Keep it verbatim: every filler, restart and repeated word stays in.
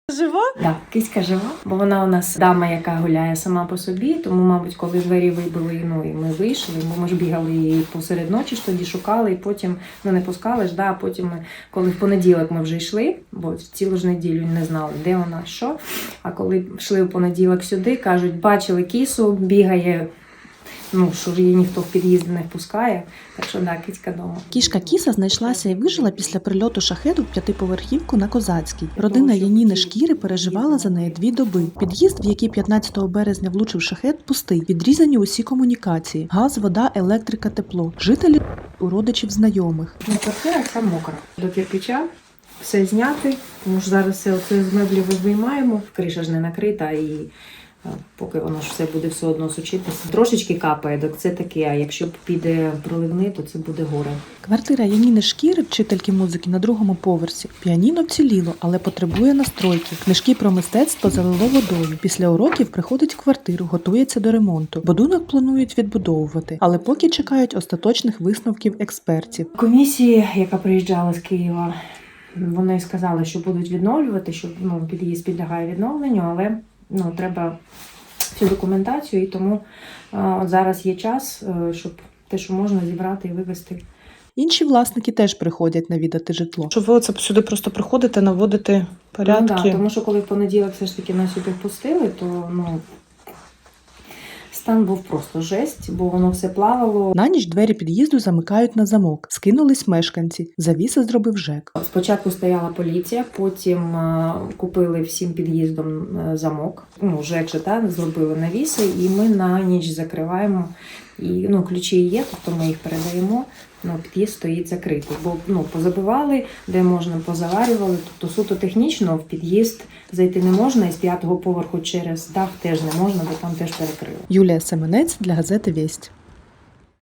Жива? Так, да, кицька жива, бо вона у нас дама, яка гуляє сама по собі, тому, мабуть, коли двері вибили, ну, і ми вийшли, бо ми ж бігали її посеред ночі, ж тоді шукали, і потім, ну, не пускали ж, да, а потім, ми, коли в понеділок ми вже йшли, бо цілу ж неділю не знали, де вона, що, а коли йшли в понеділок сюди, кажуть, бачили кісу, бігає, ну, що ж її ніхто в під'їзди не впускає, так що, да, кицька дома. Кішка Кіса знайшлася і вижила після прильоту шахеду в п'ятиповерхівку на Козацькій. Родина Яніни Шкіри переживала за неї дві доби. Під'їзд, в який п'ятнадцятого березня влучив шахед, пустий. Відрізані усі комунікації. Газ, вода, електрика, тепло. Жителі у родичів знайомих. Ну, квартира вся мокра. До кирпича все зняти, тому що зараз все оце з меблів виймаємо. Криша ж не накрита і поки воно ж все буде все одно сучитися. Трошечки капає, так це таке, а якщо піде проливний, то це буде горе. Квартира Яніни Шкіри, вчительки музики, на другому поверсі. Піаніно вціліло, але потребує настройки. Книжки про мистецтво залило водою. Після уроків приходить в квартиру, готується до ремонту. Будинок планують відбудовувати, але поки чекають остаточних висновків експертів. Комісії, яка приїжджала з Києва, вони сказали, що будуть відновлювати, що ну, під'їзд підлягає відновленню, але ну, треба всю документацію, і тому а, от зараз є час, щоб те, що можна, зібрати і вивезти. Інші власники теж приходять навідати житло. Що ви оце сюди просто приходите, наводите порядки? Ну, да, тому що коли в понеділок все ж таки нас сюди впустили, то ну, стан був просто жесть, бо воно все плавало. На ніч двері під'їзду замикають на замок. Скинулись мешканці. Завіси зробив ЖЕК. Спочатку стояла поліція, потім а, купили всім під'їздом замок. Ну, ЖЕК же, та, зробили навіси, і ми на ніч закриваємо. І, ну, ключі є, тобто ми їх передаємо, ну, під'їзд стоїть закритий. Бо ну, позабивали, де можна, позаварювали. Тобто суто технічно в під'їзд зайти не можна, і з п'ятого поверху через дах теж не можна, бо там теж перекрили. Юлія Семенець для газети «Вість».